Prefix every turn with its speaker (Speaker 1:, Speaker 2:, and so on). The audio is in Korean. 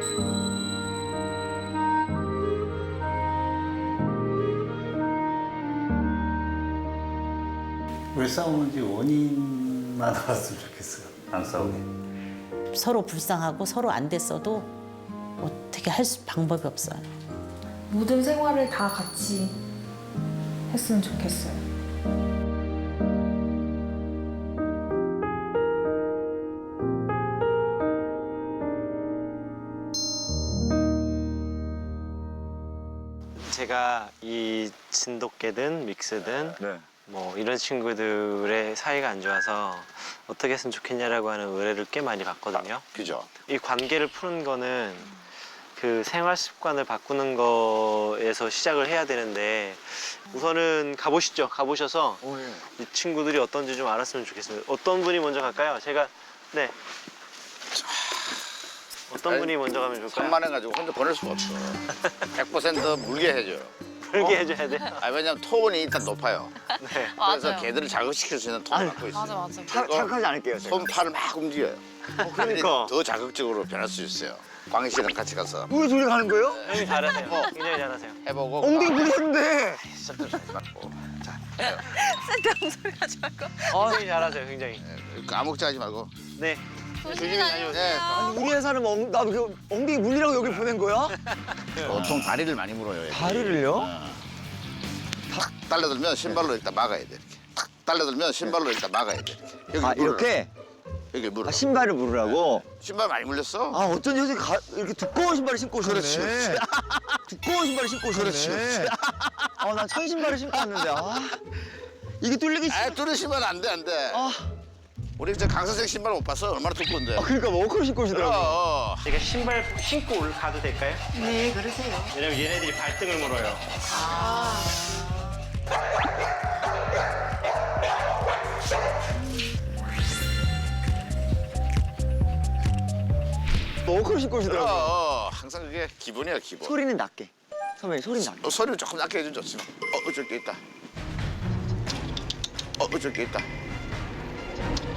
Speaker 1: 왜 싸우는지 원인만 알았으면 좋겠어요. 안 싸우게.
Speaker 2: 서로 불쌍하고 서로 안 됐어도 어떻게 할 방법이 없어요.
Speaker 3: 모든 생활을 다 같이 했으면 좋겠어요.
Speaker 4: 제가 이 진돗개든 믹스든
Speaker 5: 네.
Speaker 4: 뭐 이런 친구들의 사이가 안 좋아서 어떻게 했으면 좋겠냐라고 하는 의뢰를 꽤 많이 받거든요.
Speaker 5: 그죠?
Speaker 4: 이 관계를 푸는 거는 그 생활 습관을 바꾸는 거에서 시작을 해야 되는데 우선은 가보시죠. 가보셔서 이 친구들이 어떤지 좀 알았으면 좋겠습니다. 어떤 분이 먼저 갈까요? 제가 네. 어떤 분이 먼저 가면 좋을까요?
Speaker 5: 산만해가지고 혼자 보낼 수가 없어. 100% 물게 해줘요.
Speaker 4: 불게 해줘야 돼요.
Speaker 5: 아, 왜냐면 톤이 일단 높아요.
Speaker 4: 네.
Speaker 5: 그래서
Speaker 6: 맞아요.
Speaker 5: 개들을 자극시킬 수 있는 톤을 갖고 있어요.
Speaker 6: 맞아.
Speaker 7: 자극하지 않을게요. 제가.
Speaker 5: 손, 팔을 막 움직여요.
Speaker 4: 그러니까.
Speaker 5: 더 자극적으로 변할 수 있어요. 광희 씨랑 같이 가서
Speaker 7: 우리 둘이 가는 거예요?
Speaker 4: 형님 잘하세요. 굉장히 잘하세요.
Speaker 5: 해보고.
Speaker 7: 엉덩이 물렸는데.
Speaker 5: 시작도 잘 맞고. 자,
Speaker 6: 쓸데없는 소리 하지 말고.
Speaker 4: 굉장히 잘하세요. 굉장히.
Speaker 5: 까먹지 하지 말고.
Speaker 4: 네.
Speaker 6: 조심히
Speaker 5: 네.
Speaker 6: 다녀오세요.
Speaker 7: 아니 우리 회사는 나도 그 엉덩이 물리라고 여기 보낸 거야?
Speaker 5: 보통 다리를 많이 물어요. 얘들이.
Speaker 7: 다리를요?
Speaker 5: 탁 달려들면 신발로 일단 막아야 돼. 이렇게. 탁 달려들면 신발로 일단 막아야 돼. 이렇게. 여기
Speaker 7: 아
Speaker 5: 물어요.
Speaker 7: 이렇게?
Speaker 5: 여기 물어.
Speaker 7: 아, 신발을 물으라고?
Speaker 5: 신발 많이 물렸어?
Speaker 7: 아 어쩐지 요새 이렇게 두꺼운 신발을 신고 오셨네.
Speaker 5: 그렇지, 그렇지.
Speaker 7: 두꺼운 신발을 신고 오셨네.
Speaker 5: 그렇지, 그렇지.
Speaker 7: 난 천신발을 신고 왔는데 이게 뚫리기
Speaker 5: 아, 뚫은 신발 안 돼, 안 돼.
Speaker 7: 아,
Speaker 5: 우리 저 강선생 신발 못 봤어? 얼마나 두꺼운데.
Speaker 7: 그러니까 워커를 신고 오시더라고.
Speaker 5: 어.
Speaker 4: 제가 신발 신고 올가도 될까요? 네, 그러세요. 왜냐면 얘네들이 발등을 물어요.
Speaker 7: 워커를 신고 오시더라고.
Speaker 5: 항상 그게 기본이야, 기본.
Speaker 7: 소리는 낮게. 선배님 소리는 낮게.
Speaker 5: 소리를 조금 낮게 해주면 좋지만. 저기 있다. 저기 있다.